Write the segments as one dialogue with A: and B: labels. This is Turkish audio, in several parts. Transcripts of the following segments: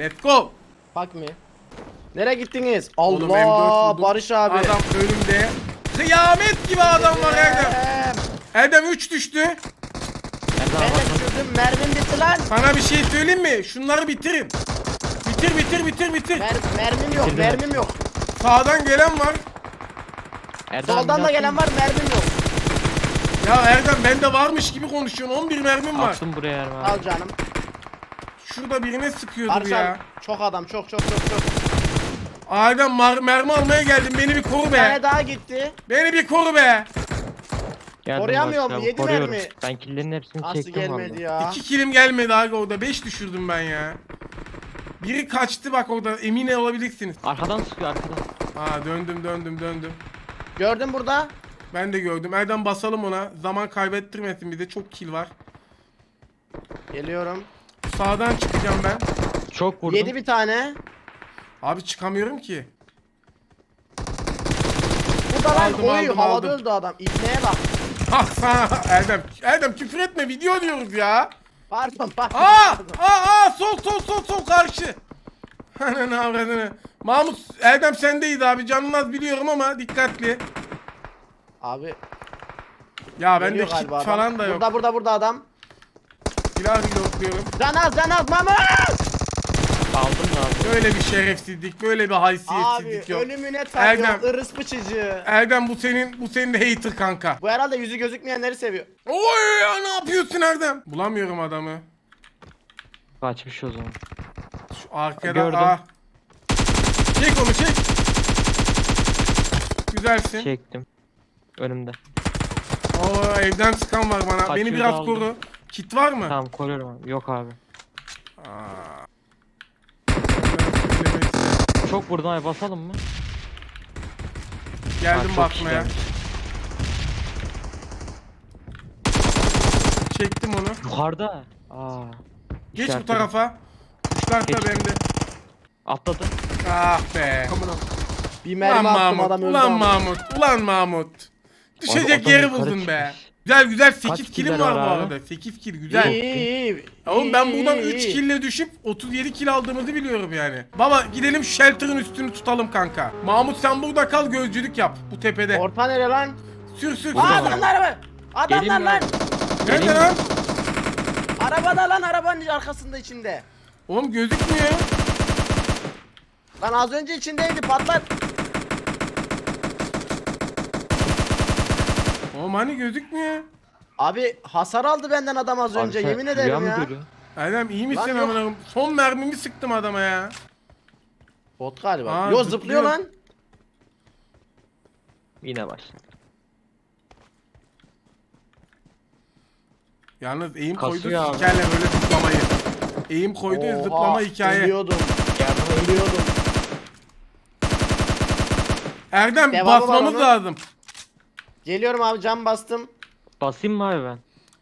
A: Let's go.
B: Bak mı? Nereye gittiniz?
A: Oğlum, M4
B: Allah
A: buldum.
B: Barış abi.
A: Adam önümde. Kıyamet gibi adam var Erdem. Erdem 3 düştü.
B: Ben de düşürdüm. Mermim bitti lan.
A: Sana bir şey söyleyeyim mi? Şunları bitirin. Bitir.
B: Mermim yok.
C: Bitirdim.
B: Mermim yok.
A: Sağdan gelen var.
C: Erdem
B: Soldan da gelen var. Mermim yok.
A: Ya Erdem bende varmış gibi konuşuyorsun. 11 mermim var.
C: Attım buraya Erman.
B: Al canım.
A: Şurada birine sıkıyordur
B: Barış
A: ya.
B: abi. Çok adam. Çok.
A: Erdem mermi almaya geldim. Beni bir koru
B: Bir
A: be.
B: tane daha gitti.
A: Beni bir koru be.
C: Geldim
B: Koruyamıyor
C: Barış
B: mu?
C: abi,
B: Yedi
C: koruyorum.
B: mermi.
C: Ben killerin hepsini
B: Nasıl
C: çektim
B: gelmedi
C: vallahi.
B: ya?
A: 2 kilim gelmedi abi orada. 5 düşürdüm ben ya. Biri kaçtı bak orada. Emin olabilirsiniz.
C: Arkadan sıkıyor arkadan.
A: Aa döndüm.
B: Gördün burada.
A: Ben de gördüm. Erdem basalım ona. Zaman kaybettirmesin bize. Çok kill var.
B: Geliyorum.
A: Sağdan çıkacağım ben.
C: Çok vurdum.
B: Yedi bir tane.
A: Abi çıkamıyorum ki.
B: Burada lan.
A: Aldım,
B: Oy
A: aldım.
B: havada öldü adam. İbneye bak.
A: Ah sana Erdem küfür etme video diyoruz ya.
B: Pardon.
A: Sol karşı. Ananı avradını. Mahmut Erdem sendeydi abi. Canın az biliyorum ama dikkatli.
B: Abi.
A: Ya bende
B: Geliyor
A: kit
B: galiba adam.
A: falan da yok.
B: Burada adam.
A: Silah blokluyorum.
B: Can az Mama.
C: Aldım da abi.
A: Böyle bir şerefsizlik, böyle bir
B: Abi
A: haysiyetsizlik yok.
B: ölümüne tapıyor.
A: Erdem.
B: Irıs bıçıcı.
A: Erdem bu senin de hater kanka.
B: Bu herhalde yüzü gözükmeyenleri seviyor.
A: Oy ya ne yapıyorsun Erdem? Bulamıyorum adamı.
C: Kaçmış o zaman.
A: Şu arkada.
C: Gördüm.
A: Çek onu çek. Güzelsin.
C: Çektim. Önümde.
A: Oo evden sıkan var bana.
C: Kaçıyor
A: Beni
C: da
A: biraz
C: aldım.
A: koru. Kit var mı?
C: Tamam koruyorum abi. Yok abi.
A: Aa.
C: Çok vurdum abi, basalım mı?
A: Geldim
C: Ha, çok
A: bakmaya.
C: işlenmiş.
A: Çektim onu.
C: Yukarıda. Aa.
A: Geç bu
C: işaretledim.
A: tarafa. Kuşlar da
C: Geç.
A: bende.
C: Atladı.
A: Ah be.
B: Bir
A: Ulan
B: mermi attım
A: Mahmut.
B: adam öldü.
A: Ulan
B: ama.
A: Mahmut. Ulan Mahmut. Düşecek
C: Adam
A: yeri
C: yukarı
A: buldun be.
C: çıkmış.
A: Güzel 8
C: Kaç
A: killim
C: killer
A: var bu
C: var abi?
A: arada. 8 kill güzel.
B: İyi.
A: Oğlum ben buradan
B: iyi,
A: 3
B: iyi.
A: kille düşüp 37 kill aldığımızı biliyorum yani. Baba gidelim şu shelter'ın üstünü tutalım kanka. Mahmut sen burada kal gözcülük yap bu tepede.
B: Orta nere lan?
A: Sür.
B: Aa, adamlar mı? Adamlar
C: Gelin
B: lan.
A: Nerede
C: Gelin.
A: lan?
B: Arabada lan, arabanın arkasında içinde.
A: Oğlum gözükmüyor.
B: Lan az önce içindeydi, patlat.
A: Oğlum hani gözükmüyor.
B: Abi hasar aldı benden adam az önce,
C: Abi sen
B: yemin
C: rüya
B: ederim
C: mı
B: ya.
C: görüyorsun?
A: Erdem iyi misin
B: Lan yok.
A: amına koyayım? Son mermimi sıktım adama ya.
B: Bot galiba.
A: Aa,
B: Yo
A: zıplıyor.
B: zıplıyor lan.
C: Yine başladı.
A: Yalnız eğim
C: Kasıyor
A: koydu
C: abi.
A: sikerle böyle zıplamayı. Eğim koydu
B: Oha,
A: zıplama hikaye.
B: Ölüyordum.
C: Yardım
B: Ölüyordum.
A: Erdem
B: Devamı var
A: basmamız
B: onun.
A: lazım.
B: Geliyorum abi, cam bastım.
C: Basayım mı abi ben?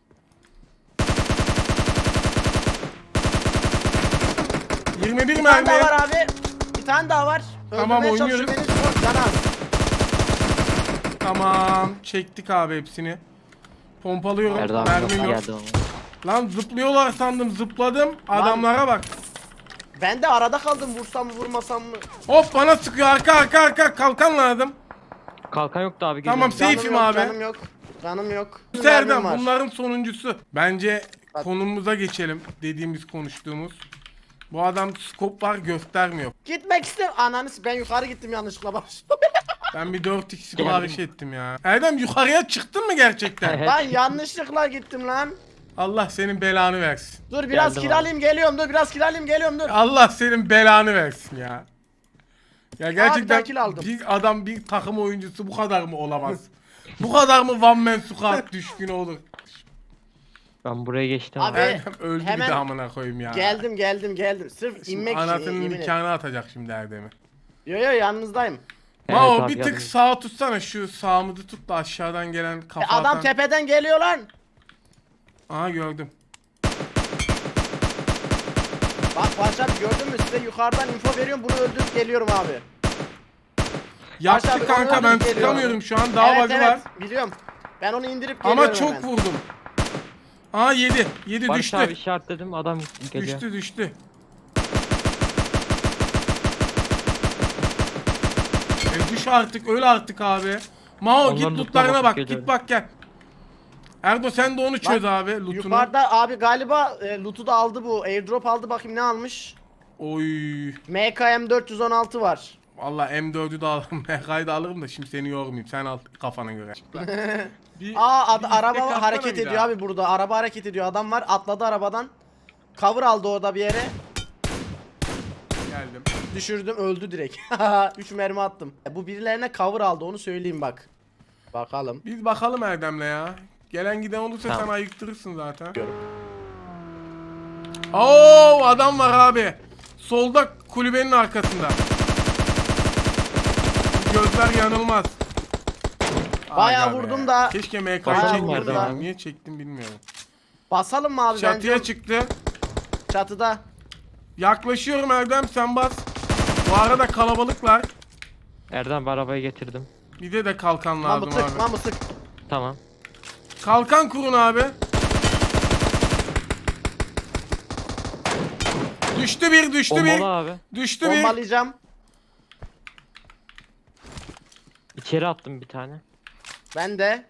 A: ...21
B: Bir tane daha
A: mermi.
B: var abi. Bir tane daha var.
A: Tamam,
B: Öldürmeye
A: oynuyoruz.
B: çalışıyor beni. Çok can az.
A: Tamam çektik abi hepsini. Pompalıyorum.
C: Nerede abi?
A: Mermim
C: Nasıl
A: yok.
C: geldi ama?
A: Lan zıplıyorlar sandım, zıpladım. Adamlara bak.
B: Ben de arada kaldım, vursam mı vurmasam mı?
A: Hop bana sıkıyor, arka kalkan lazım.
C: Kalkan yoktu abi.
A: Tamam,
C: geliyorum.
A: Safe'im
B: yok,
A: abi.
B: Canım yok.
A: Serdem
B: Mermim var.
A: bunların sonuncusu. Bence
B: Bak.
A: konumuza geçelim, dediğimiz konuştuğumuz. Bu adam scope var göstermiyor.
B: Gitmek istem. Ananı ben yukarı gittim yanlışlıkla bak.
A: Ben bir 4x sipariş ettim ya. Erdem yukarıya çıktın mı gerçekten?
C: Evet.
B: Lan yanlışlıkla gittim lan.
A: Allah senin belanı versin.
B: Dur biraz
C: Geldim
B: kiralayayım geliyorum, dur biraz kiralayayım geliyorum, dur.
A: Allah senin belanı versin ya. Ya gerçekten
B: kill aldım.
A: bir adam bir takım oyuncusu bu kadar mı olamaz? Bu kadar mı one man squad düşkün olur?
C: Ben buraya geçtim
B: Abi,
C: abi.
A: Erdem öldü
B: hemen
A: bir de amına koyayım ya.
B: Geldim. Sırf
A: Şimdi
B: inmek için.
A: anasının
B: yemin ederim.
A: nikahını atacak şimdi Erdem'i.
B: Yo yanınızdayım.
A: Mao
C: abi,
A: bir tık
C: yardım.
A: sağa tutsana, şu sağımızı tut da aşağıdan gelen kafa
B: Adam
A: atan-
B: tepeden geliyor lan.
A: Aha gördüm.
B: Bak Barış abi, gördün mü, size yukarıdan info veriyorum, bunu öldürüp geliyorum abi.
A: Yaptı
B: abi,
A: kanka,
B: onu
A: ben
B: öldürüp
A: sıkamıyorum
B: geliyorum.
A: şu an, daha bug'ı var.
B: Biliyorum. Ben onu indirip geliyorum
A: Ama çok
B: hemen.
A: vurdum. Aha 7
C: Barış
A: düştü.
C: abi işaretledim, adam geliyor.
A: Düştü. artık öyle artık abi. Mao
C: Onların
A: git
C: lootuna
A: lootlarına
C: bakıp
A: bak
C: geliyorum.
A: git bak gel. Erdo sen de onu çöz abi lootunu.
B: Yukarıda abi galiba loot'u da aldı bu. Airdrop aldı, bakayım ne almış.
A: Oy.
B: MKM 416 var.
A: Valla M4'ü de alırım. MK'yı da alırım da şimdi seni yormayayım. Sen al kafana göre. Bir-
B: Aa
A: bir istek
B: araba
A: atsana
B: hareket
A: bir
B: ediyor
A: daha.
B: abi burada. Araba hareket ediyor. Adam var, atladı arabadan. Cover aldı orada bir yere.
A: Geldim.
B: Düşürdüm, öldü direkt. 3 mermi attım. Bu birilerine cover aldı, onu söyleyeyim bak. Bakalım.
A: Biz bakalım Erdem'le ya. Gelen giden olursa
C: Tamam.
A: sen ayıktırırsın zaten. Oo adam var abi. Solda kulübenin arkasında. Gözler yanılmaz.
B: Bayağı
A: Aga be.
B: vurdum da.
A: Keşke MK'yı
C: Bayağı
A: çekmeseydim.
C: vurdum da.
A: Niye çektim bilmiyorum.
B: Basalım mı abi
A: Çatıya
B: bence?
A: çıktı.
B: Çatıda.
A: Yaklaşıyorum Erdem sen bas. Bu arada kalabalıklar.
C: Erdem bir arabayı getirdim.
A: Bir de kalkan lazım
B: Mamı tık,
A: abi.
B: mamı tık.
C: Tamam.
A: Kalkan kurun abi. Düştü bir, düştü
C: Bombalı
A: bir.
C: abi.
A: Düştü bir.
B: Bombalayacağım.
C: İçeri attım bir tane.
B: Ben de.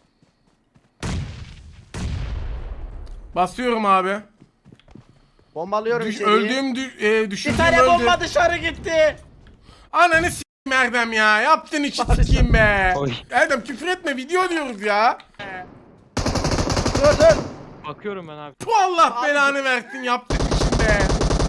A: Basıyorum abi.
B: Bombalıyorum içeriği.
A: Öldüğüm
B: Bir
A: düşürdüğüm
B: tane
A: öldü.
B: bomba dışarı gitti.
A: Ananı s**im Erdem ya. Yaptın içi s**eyim be.
C: Oy.
A: Erdem küfür etme video diyoruz ya.
B: Dur dur.
C: Bakıyorum ben abi.
A: Bu Allah
B: Abi-
A: belanı versin yaptın için be.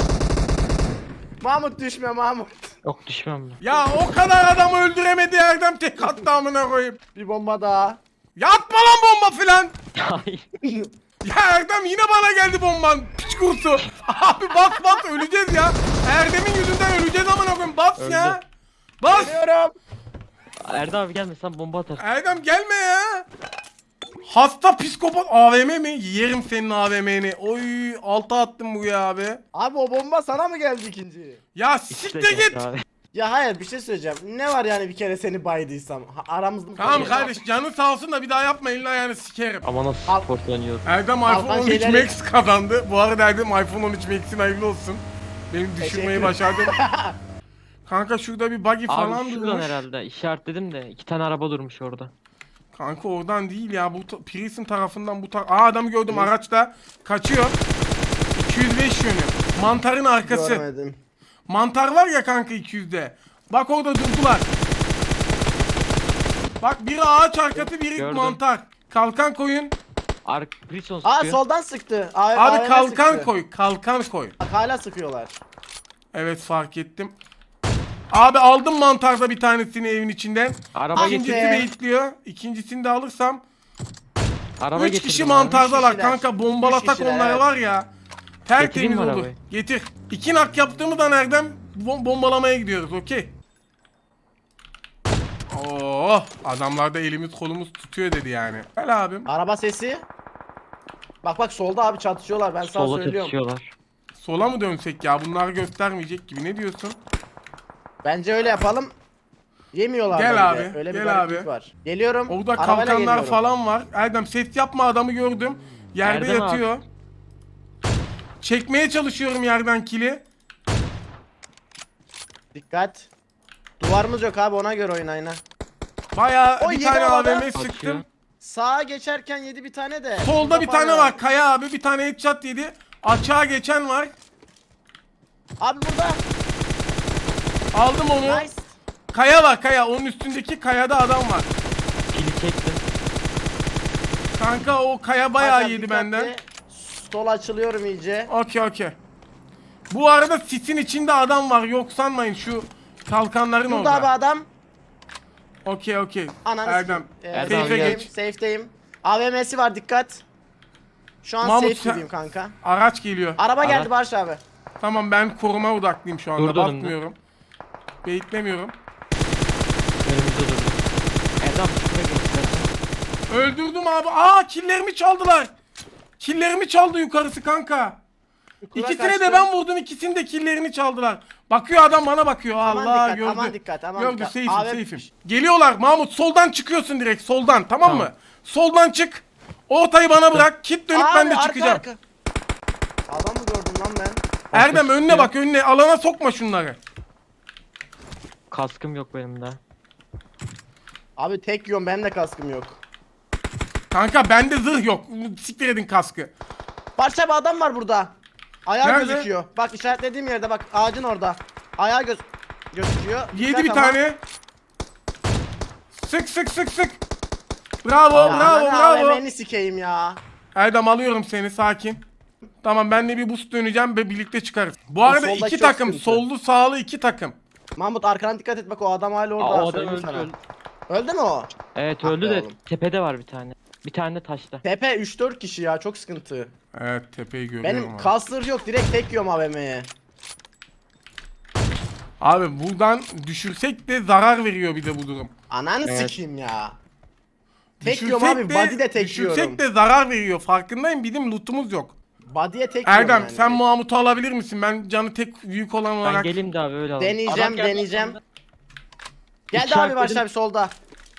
B: Mahmut düşme Mahmut.
C: Yok düşmem ben.
A: Ya o kadar adam öldüremedi Erdem tek attı amına koyayım.
B: Bir bomba daha.
A: Yapma lan bomba filan.
C: Hayır.
A: Ya Erdem yine bana geldi bomban. Piç kursu. Abi bas öleceğiz ya. Erdem'in yüzünden öleceğiz amına koyayım. Bas
C: Öldü.
A: ya. Bas.
B: Geliyorum.
C: Erdem abi gelme sen bomba atarsın.
A: Erdem gelme ya. Hasta psikopat AVM mi? Yerim senin AVM'ni. Oy alta attım bu ya abi.
B: Abi o bomba sana mı geldi ikinci?
A: Ya
C: İkisi de
A: siktir
C: geldi
A: git.
C: abi.
B: Ya hayır, bir şey söyleyeceğim. Ne var yani bir kere seni baydıysam? Aramızda
A: Tamam kardeş canın sağ olsun da bir daha yapma elini ayağını sikerim.
C: Ama nasıl
B: Al.
C: sportlanıyoruz.
A: Erdem
B: Altan
A: iPhone 13
B: şeyleri-
A: Max kazandı. Bu arada Erdem iPhone 13 Max'in hayırlı olsun. Benim düşürmeyi
B: Teşekkür-
A: başardım. Kanka şurada bir buggy falan
C: Abi şuradan
A: durmuş.
C: herhalde işaretledim de 2 tane araba durmuş orada.
A: Kanka oradan değil ya. Bu Prism tarafından bu Aa adamı gördüm araçta. Kaçıyor. 205 yönü. Mantarın arkası.
B: Görmedim.
A: Mantar var ya kanka 200'de. Bak orada durdular. Bak biri ağaç arkası biri
C: Gördüm.
A: mantar. Kalkan koyun.
C: Prison
B: Aa
C: sıkıyor.
B: soldan sıktı.
A: Abi
B: AVM
A: kalkan
B: sıktı.
A: koy. Kalkan koy.
B: Bak hala sıkıyorlar.
A: Evet fark ettim. Abi aldım mantarda bir tanesini evin içinden.
C: Araba
B: Hadi.
A: İkincisi
C: getirdim.
A: bekliyor. İkincisini de alırsam.
C: Araba
A: 3
C: getirdim
A: kişi
C: abi.
A: mantardalar
B: Üç kişiler.
A: kanka. Bombalasak
B: Üç kişiler,
A: onları
B: evet.
A: var ya.
C: Getireyim
A: Tertemiz
C: mi
A: oldu.
C: arabayı?
A: Getir. 2 nak yaptığımızdan Erdem bombalamaya gidiyoruz. Okey. Oh adamlar da elimiz kolumuz tutuyor dedi yani. Gel abim.
B: Araba sesi. Bak bak solda abi çatışıyorlar, ben sana
C: Sola
B: söylüyorum.
C: çatışıyorlar.
A: Sola mı dönsek ya? Bunlar göstermeyecek gibi. Ne diyorsun?
B: Bence öyle yapalım. Yemiyorlar
A: Gel
B: da bir
A: abi,
B: de. Öyle bir
A: gel
B: gariplik
A: abi.
B: var. Geliyorum.
A: Orada
B: arabayla
A: kalkanlar
B: geliyorum.
A: falan var. Erdem ses yapma adamı gördüm. Yerde
C: Erdem abi.
A: yatıyor. Çekmeye çalışıyorum yerden kili.
B: Dikkat. Duvarımız yok abi, ona göre oynayın ha.
A: Bayağı
B: O
A: bir
B: yedi
A: tane
B: havada.
A: AVM
C: Kaçıyor.
A: sıktım.
B: Sağa geçerken yedi bir tane de.
A: Solda bir
B: Kafayla.
A: tane var. Kaya abi bir tane headshot yedi. Açığa geçen var.
B: Abi burada.
A: Aldım onu.
B: Nice.
A: Kaya var kaya. Onun üstündeki kayada adam var.
C: Kili çektim.
A: Kanka o kaya bayağı
B: Hakan,
A: yedi
B: dikkatli.
A: benden.
B: Sol açılıyorum iyice.
A: Okey. Bu arada sisin içinde adam var. Yok sanmayın şu kalkanların
B: Burada abi
A: orada.
B: adam.
A: Okey.
B: Ananı
A: Erdem.
C: Erdem
A: Safe'e
C: gel.
A: geç.
B: Safe'deyim. AVM'si var, dikkat. Şu an
A: Mahmut,
B: safe
A: sen-
B: gibiyim kanka.
A: Araç geliyor.
B: Araba
C: Araç.
B: geldi Barış abi.
A: Tamam ben koruma odaklıyım şu anda.
C: Durdu önümde.
A: Bakmıyorum. Beyitlemiyorum.
C: Önümüzde durdu. Erdem şuraya gel istersen.
A: Öldürdüm abi. Aa killerimi çaldılar. Killerimi çaldı yukarısı kanka.
B: Yukarı
A: İkisine
B: kaçtı.
A: de ben vurdum. İkisinin de killerini çaldılar. Bakıyor adam bana bakıyor.
B: Aman
A: Allah
B: dikkat,
A: gördü.
B: aman dikkat, aman
A: gördü.
B: dikkat.
A: Safe'im
B: Abi-
A: safe'im. Geliyorlar Mahmut. Soldan çıkıyorsun direkt. Soldan tamam mı?
C: Tamam.
A: Soldan çık. Ortayı bana bırak. Kit dönüp ben de
B: arka,
A: çıkacağım.
B: arka. Adam mı gördüm lan ben?
A: Erdem önüne
C: çıkıyor.
A: bak önüne. Alana sokma şunları.
C: Kaskım yok benim de.
B: Abi tek yiyorum, benim de kaskım yok.
A: Kanka bende zırh yok. Siktir edin kaskı.
B: Barış abi adam var burada. Ayağı
A: Nerede?
B: gözüküyor. Bak işaretlediğim yerde, bak ağacın orada. Ayağı gözüküyor.
A: Yedi
B: Dikkat
A: bir
B: ama.
A: tane. Sık sık sık sık. Bravo
B: Ya
A: bravo
B: ananı
A: bravo.
B: AVM'ni sikeyim ya.
A: Erdem alıyorum seni, sakin. Tamam, ben de bir boost döneceğim ve birlikte çıkarız. Bu arada
B: soldaki
A: iki
B: çok
A: takım.
B: sıkıntı.
A: Sollu sağlı iki takım.
B: Mahmut arkana dikkat et, bak o adam hala orada.
C: Aa, o adam
B: söyleyeyim
C: öldü,
B: sana.
C: öldü.
B: Öldü mü o?
C: Evet
B: Ah
C: öldü
B: be
C: de
B: oğlum.
C: tepede var bir tane. Bir tane de taşta.
B: Tepe 3-4 kişi ya, çok sıkıntı.
A: Evet, tepeyi görüyorum
B: Benim
A: abi.
B: kasır yok, direkt tek yiyorum AVM'ye.
A: Abi buradan düşürsek de zarar veriyor bir de bu durum.
B: Ananı
C: Evet.
B: sikeyim ya. Tek
A: Düşürsek
B: yiyorum abi, body de tek
A: düşürsek
B: yiyorum.
A: de zarar veriyor, farkındayım, bizim lootumuz yok.
B: Body'ye tek yiyorum
A: Erdem
B: yani.
A: sen Mahmut'u alabilir misin? Ben canı tek büyük olan
C: Ben
A: olarak.
C: geleyim de abi öyle alalım.
B: Deneyeceğim,
C: Adam geldi
B: deneyeceğim.
C: aslında.
B: Geldi abi
C: İşaretledim.
B: Barış abi solda.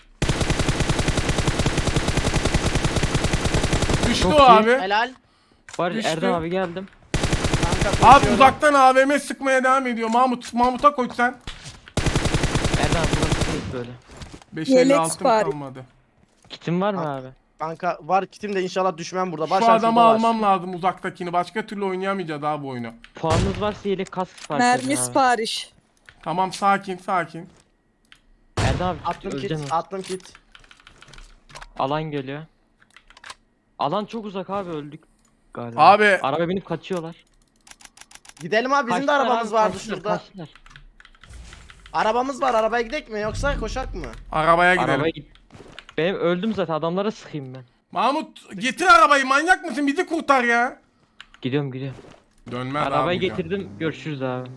A: Düştü
C: Çok
A: o
C: iyi.
A: abi.
B: Helal.
C: Var
A: Düştü.
C: Erdem abi geldim.
B: Kanka
A: Abi
B: koşuyorum.
A: uzaktan AVM sıkmaya devam ediyor. Mahmut'a koş sen.
C: Erdem abi burası değil böyle.
A: 556
D: sipariş.
A: kalmadı.
C: Kitin var mı abi?
B: Kanka var kitim de, inşallah düşmem burada. Barış
A: Şu
B: abi
A: adamı
B: şurada var.
A: almam lazım, uzaktakini. Başka türlü oynayamayacağız abi bu oyunu.
C: Puanınız varsa yelek kask sipariş edin
D: Mermi
C: abi.
D: sipariş.
A: Tamam, sakin sakin.
C: Erdem abi
B: Attım
C: öleceksin.
B: kit, attım kit.
C: Alan geliyor. Alan çok uzak abi, öldük galiba.
A: Abi
C: Araba binip kaçıyorlar.
B: Gidelim abi, bizim de
C: Kaçtılar
B: arabamız
C: abi,
B: vardı
C: kaçtılar,
B: şurada.
C: kaçtılar.
B: Arabamız var, arabaya gidelim mi yoksa koşak mı?
A: arabaya gidelim.
C: Arabaya git. Benim öldüm zaten, adamlara sıkayım ben.
A: Mahmut getir arabayı, manyak mısın? Bizi kurtar ya.
C: Gidiyorum gidiyorum.
A: Dönmez abi.
C: Arabayı
A: bu ya.
C: getirdim, görüşürüz abi.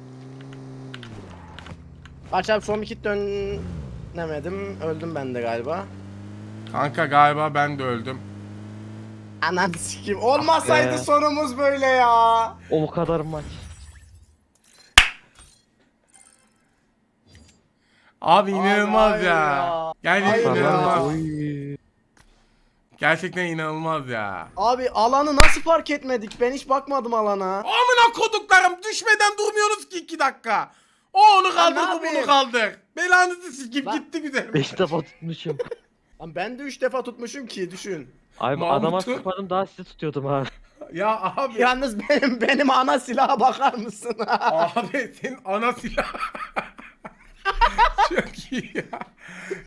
B: Barış abi son bir kit dönemedim. Öldüm ben de galiba.
A: Kanka galiba ben de öldüm.
B: Anan sikim. Olmasaydı
C: be.
B: sonumuz böyle ya.
C: O kadar maç.
A: Abi inanılmaz
B: hayır
A: ya.
B: ya.
A: Gerçekten
B: Hayır ya.
A: inanılmaz.
C: Oy.
A: Gerçekten inanılmaz ya.
B: Abi alanı nasıl fark etmedik? Ben hiç bakmadım alana.
A: Amına koduklarım, düşmeden durmuyoruz ki 2 dakika. O onu
B: ne
A: kaldır, bu bunu
B: yapayım?
A: kaldır. Belanızı sikip
B: Lan-
A: gitti güzel.
C: 5 defa tutmuşum.
B: Lan ben de 3 defa tutmuşum ki, düşün.
C: Abi
A: Mahmut'u-
C: adama sıkmadım, daha sizi tutuyordum abi.
A: Ya abi.
B: Yalnız benim ana silaha bakar mısın?
A: Abi senin ana silah. Çok iyi ya.